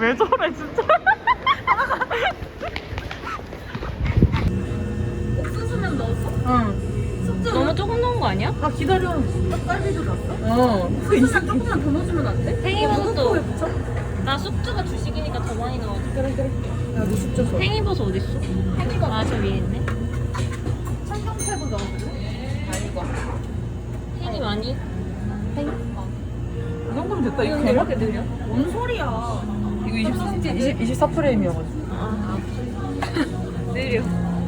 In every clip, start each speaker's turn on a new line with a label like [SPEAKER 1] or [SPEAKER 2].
[SPEAKER 1] 왜 저래 진짜.
[SPEAKER 2] 옥수수면 넣었어?
[SPEAKER 1] 응.
[SPEAKER 2] 숙주
[SPEAKER 3] 너무 조금 넣은 거 아니야?
[SPEAKER 1] 아 기다려.
[SPEAKER 2] 떡갈비도 넣었어?
[SPEAKER 1] 그
[SPEAKER 2] 옥수수만 조금만 더 넣어주면 안 돼?
[SPEAKER 3] 팽이버섯도
[SPEAKER 2] 붙여?
[SPEAKER 3] 나 숙주가 주식이니까 더 많이 넣어줘.
[SPEAKER 2] 그래 그래. 야너 숙주 줘.
[SPEAKER 3] 팽이버섯 어딨어?
[SPEAKER 2] 팽이버섯.
[SPEAKER 3] 아 저 위에 있네.
[SPEAKER 2] 청경채도 넣어줄래? 아니고.
[SPEAKER 3] 팽이 많이?
[SPEAKER 1] 이 정도면 됐다. 이거
[SPEAKER 3] 이건
[SPEAKER 1] 되나?
[SPEAKER 3] 이렇게 느려?
[SPEAKER 2] 뭔 소리야?
[SPEAKER 1] 이거 24프레임이어가지고.
[SPEAKER 3] 아 느려.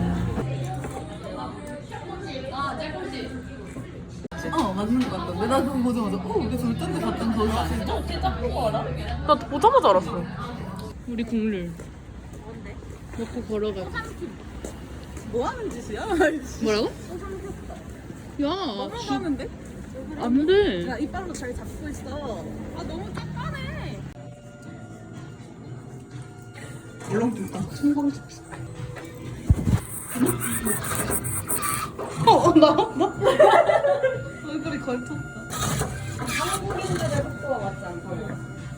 [SPEAKER 1] 맞는 거 같다. 근데 나 그거 보자마자 이게 절단데 갔던 거지.
[SPEAKER 2] 진짜 어떻게 닦은 거 알아?
[SPEAKER 1] 나 보자마자 알았어.
[SPEAKER 3] 우리 국룰. 뭔데? 먹고 걸어가.
[SPEAKER 2] 뭐 하는 짓이야?
[SPEAKER 3] 뭐라고? 야,
[SPEAKER 2] 먹으라는데?
[SPEAKER 3] 안 돼.
[SPEAKER 2] 야 이빨로 잘 잡고 있어. 아 너무 짝깐해.
[SPEAKER 1] 울렁증다. 나? 얼굴이 걸쳤다.
[SPEAKER 2] 한국인들의 속도가 맞지 않다.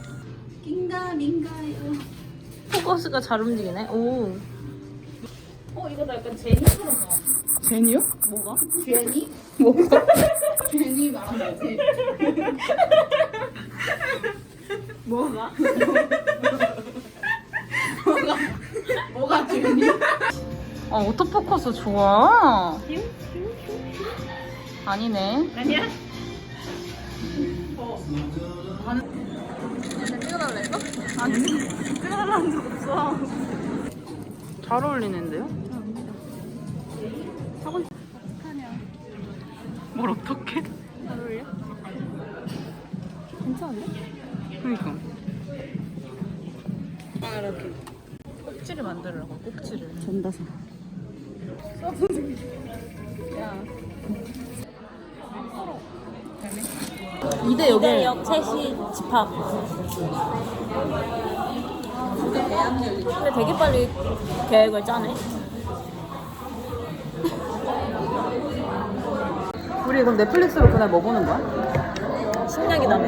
[SPEAKER 2] 긴가민가요.
[SPEAKER 3] 포커스가 잘 움직이네. 오.
[SPEAKER 2] 이거 나 약간 제니처럼 나와.
[SPEAKER 1] 제니요?
[SPEAKER 2] 뭐가? 제니?
[SPEAKER 1] 뭐가?
[SPEAKER 2] 제니 말하는 거지.
[SPEAKER 3] 뭐가?
[SPEAKER 2] 뭐가 제니?
[SPEAKER 1] 오토포커스 좋아. 아니네.
[SPEAKER 3] 아니야?
[SPEAKER 2] 찍어달래 이거?
[SPEAKER 1] 아니.
[SPEAKER 2] 찍어달라는 적 없어.
[SPEAKER 1] 잘 어울리는데요?
[SPEAKER 2] 어떡하냐.
[SPEAKER 1] 뭘 어떡해?
[SPEAKER 2] 잘 어울려? 괜찮은데?
[SPEAKER 1] 그니까.
[SPEAKER 2] 아 이렇게.
[SPEAKER 1] 꼭지를 만들으라고, 꼭지를.
[SPEAKER 2] 전다사. 야.
[SPEAKER 1] 2대 여기.
[SPEAKER 3] 이대역 채시 집합. 근데 되게 빨리 계획을 짜네.
[SPEAKER 1] 우리 이건 넷플릭스로 그날 뭐 보는 거야?
[SPEAKER 3] 신작이다며.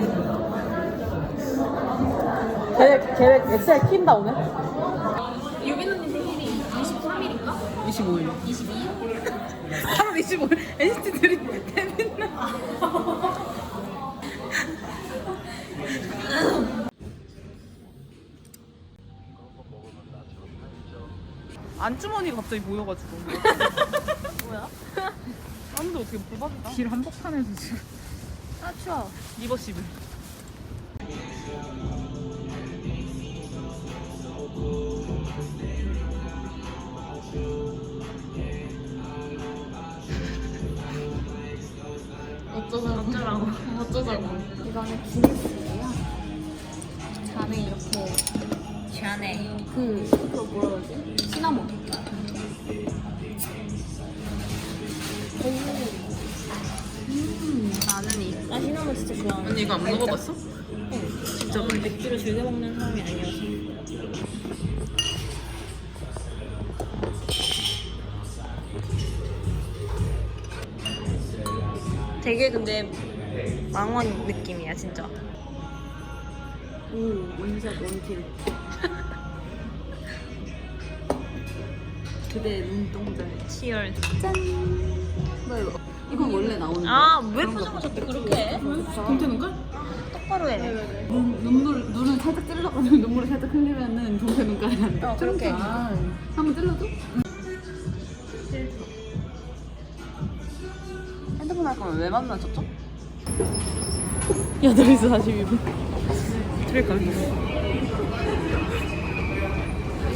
[SPEAKER 1] 계획 엑셀 킨다 오늘?
[SPEAKER 2] 유빈 언니 생일이 23일인가?
[SPEAKER 1] 25일.
[SPEAKER 2] 22일?
[SPEAKER 1] 8월 25일 NCT들이 데뷔나. 안주머니가 갑자기 모여가지고.
[SPEAKER 3] 뭐야?
[SPEAKER 1] 사람들 어떻게 뽑아줄까? 길 한복판에서 지금.
[SPEAKER 3] 아 추워.
[SPEAKER 1] 리버시블.
[SPEAKER 3] 어쩌라고. 어쩌자고.
[SPEAKER 2] 이거는 기네스예요. 안에 이렇게
[SPEAKER 3] 샤네.
[SPEAKER 2] 그거 뭐라 그러지? 시나몬.
[SPEAKER 3] 나는 나 시나몬 진짜 좋아하는.
[SPEAKER 1] 언니 이거 안 먹어봤어?
[SPEAKER 3] 진짜 나는 맥주를 즐겨 먹는 사람이 아니어서. 되게 근데 망원 느낌이야 진짜.
[SPEAKER 2] 오, 원샷 원킬. 그대 눈동자에.
[SPEAKER 3] 치열.
[SPEAKER 2] 짠. 뭐 이거? 이건 원래 나오는 거.
[SPEAKER 3] 아왜 포장하셨대 그렇게 해?
[SPEAKER 1] 괜찮은걸?
[SPEAKER 3] 똑바로 해.
[SPEAKER 2] 눈을 살짝 찔러가지고 눈물을 살짝 흘리면은 동태 눈가에 안 돼.
[SPEAKER 3] 그렇게.
[SPEAKER 2] 한번 찔러줘?
[SPEAKER 1] 핸드폰 할 거면 왜 만나셨죠?
[SPEAKER 3] 8시 42분.
[SPEAKER 1] 그러니까.